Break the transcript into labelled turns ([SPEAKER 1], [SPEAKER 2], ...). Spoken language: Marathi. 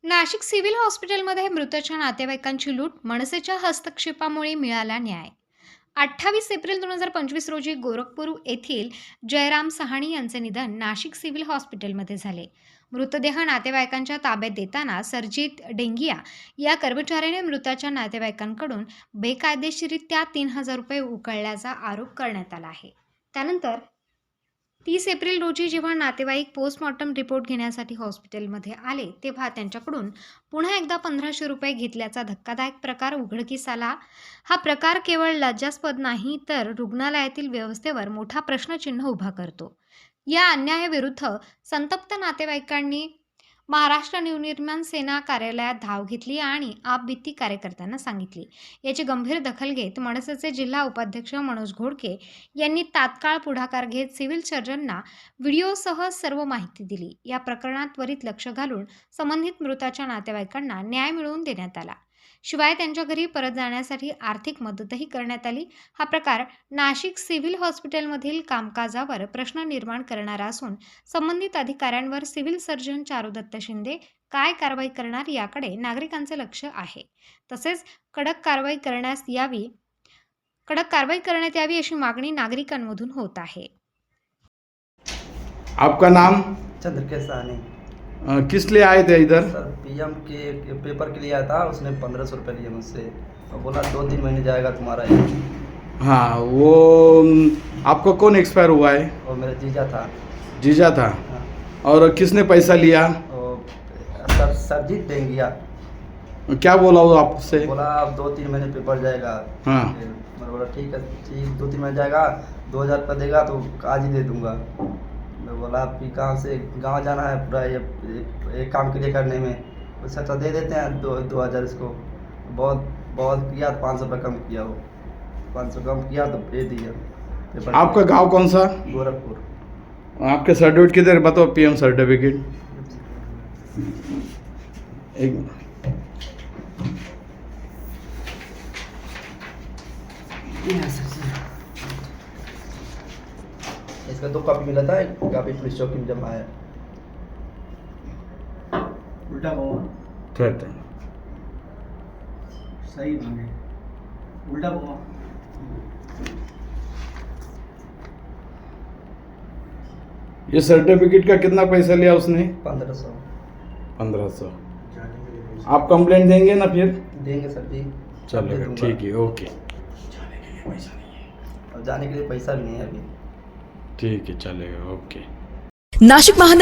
[SPEAKER 1] नाशिक सिव्हिल हॉस्पिटलमध्ये मृताच्या नातेवाईकांची लूट, मनसेच्या हस्तक्षेपामुळे मिळाला न्याय। 28 एप्रिल 2025 रोजी गोरखपूर येथील जयराम सहाणी यांचे निधन नाशिक सिव्हिल हॉस्पिटलमध्ये झाले। मृतदेह नातेवाईकांच्या ताब्यात देताना सरजित डेंगिया या कर्मचाऱ्याने मृताच्या नातेवाईकांकडून बेकायदेशीररित्या 3000 रुपये उकळल्याचा आरोप करण्यात आला आहे। त्यानंतर 30 एप्रिल रोजी जेव्हा नातेवाईक पोस्टमॉर्टम रिपोर्ट घेण्यासाठी हॉस्पिटलमध्ये आले तेव्हा त्यांच्याकडून पुन्हा एकदा 1500 रुपये घेतल्याचा धक्कादायक प्रकार उघडकीस आला। हा प्रकार केवळ लज्जास्पद नाही तर रुग्णालयातील व्यवस्थेवर मोठा प्रश्नचिन्ह उभा करतो। या अन्यायाविरुद्ध संतप्त नातेवाईकांनी महाराष्ट्र नवनिर्माण सेना कार्यालयात धाव घेतली आणि आपबीती कार्यकर्त्यांना सांगितली। याची गंभीर दखल घेत मनसेचे जिल्हा उपाध्यक्ष मनोज घोडके यांनी तात्काळ पुढाकार घेत सिव्हिल सर्जनना व्हिडिओसह सर्व माहिती दिली। या प्रकरणात त्वरित लक्ष घालून संबंधित मृताच्या नातेवाईकांना न्याय मिळवून देण्यात आला। शिवाय त्यांच्या घरी परत जाण्यासाठी आर्थिक मदतही करण्यात आली। हा प्रकार नाशिक सिव्हिल हॉस्पिटलमधील कामकाजावर प्रश्न निर्माण करणारा असून संबंधित अधिकाऱ्यांवर सिव्हिल सर्जन चारुदत्त शिंदे काय कारवाई करणार याकडे नागरिकांचे लक्ष आहे। तसेच कडक कारवाई करण्यात यावी अशी मागणी नागरिकांमधून होत आहे।
[SPEAKER 2] आपका नाम?
[SPEAKER 3] चंद्रकेश साहनी।
[SPEAKER 2] किस लिए आए थे इधर?
[SPEAKER 3] सर पीएम के पेपर के लिए आया था, उसने 1500 रुपये लिए मुझसे और बोला 2-3 महीने जाएगा तुम्हारा ये।
[SPEAKER 2] हाँ, वो आपको कौन एक्सपायर हुआ है?
[SPEAKER 3] और मेरा जीजा था।
[SPEAKER 2] जीजा था।
[SPEAKER 3] हाँ।
[SPEAKER 2] और किसने पैसा लिया?
[SPEAKER 3] और सर सरजीत डेंगिया
[SPEAKER 2] क्या बोला वो आपसे?
[SPEAKER 3] बोला अब 2-3 महीने पेपर जाएगा।
[SPEAKER 2] हाँ।
[SPEAKER 3] मैं बोला ठीक है, ठीक 2-3 महीने जाएगा, 2000 रुपये देगा तो आज ही दे दूंगा। मैं बोला आपकी कहाँ से गाँव जाना है पूरा ये काम के लिए करने में, उससे तो दे देते हैं 2000 इसको। बहुत बहुत किया तो 500 रुपये कम किया, वो 500 कम किया तो दे दिया पेपर।
[SPEAKER 2] आपका गांव कौन सा?
[SPEAKER 3] गोरखपुर।
[SPEAKER 2] आपके सर्टिफिकेट किधर बताओ? पीएम सर्टिफिकेट एक
[SPEAKER 3] इसका 2 कॉपी मिला था, एक कॉपी पुलिस चौकी में जमा है।
[SPEAKER 4] उल्टा घुमा,
[SPEAKER 2] ठहरते
[SPEAKER 4] सही मांगे, उल्टा घुमा।
[SPEAKER 2] ये सर्टिफिकेट का कितना पैसा लिया उसने?
[SPEAKER 3] 1500
[SPEAKER 2] 1500। आप कंप्लेंट देंगे ना फिर?
[SPEAKER 3] देंगे सर जी।
[SPEAKER 2] चलेगा,
[SPEAKER 3] दूंगा।
[SPEAKER 2] ठीक है, ओके।
[SPEAKER 3] और जाने के लिए पैसा भी नहीं है अभी।
[SPEAKER 2] ठीक है, चलेगा, ओके।
[SPEAKER 5] नाशिक महानगर